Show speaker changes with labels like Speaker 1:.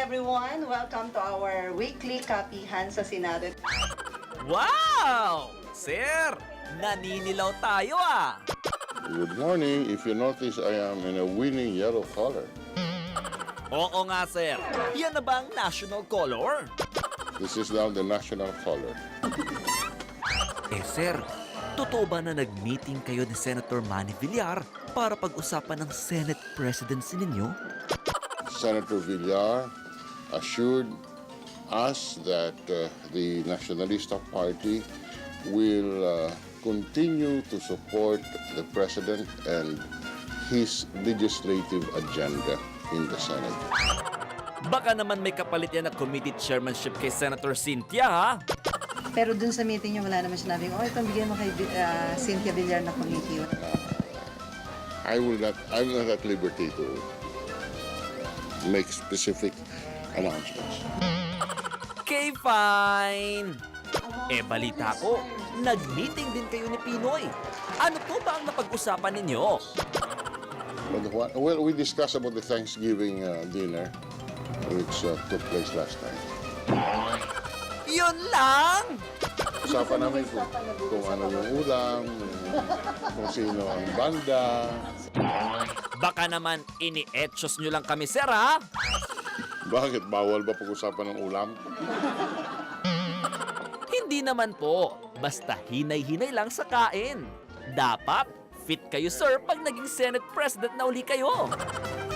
Speaker 1: everyone! Welcome to our weekly kapihan sa Senado.
Speaker 2: Wow! Sir, naninilaw tayo ah!
Speaker 3: Good morning. If you notice, I am in a winning yellow color.
Speaker 2: Oo nga sir, yan na ba ang national color?
Speaker 3: This is now the national color.
Speaker 2: Eh sir, totoo ba na nag-meeting kayo ni Senator Manny Villar para pag-usapan ng Senate presidency ninyo?
Speaker 3: Senator Villar assured us that the Nacionalista Party will continue to support the President and his legislative agenda in the Senate.
Speaker 2: Baka naman may kapalit yan na committee chairmanship kay Senator Cynthia ha?
Speaker 1: Pero dun sa meeting niyo, wala naman sinabing, ito bigyan mo kay Cynthia Villar na committee.
Speaker 3: I'm not at liberty to make specific announcements.
Speaker 2: Okay, fine! Eh balita ko, nag-meeting din kayo ni Pinoy. Ano po ba ang napag-usapan ninyo?
Speaker 3: Well, we discussed about the Thanksgiving dinner which took place last night.
Speaker 2: Yun lang!
Speaker 3: Usapan namin kung ano yung ulam, kung sino ang banda.
Speaker 2: Baka naman ini-etchos nyo lang kami, sir, ha?
Speaker 3: Bakit? Bawal ba pag-usapan ng ulam?
Speaker 2: Hindi naman po. Basta hinay-hinay lang sa kain. Dapat fit kayo, sir, pag naging Senate President na uli kayo.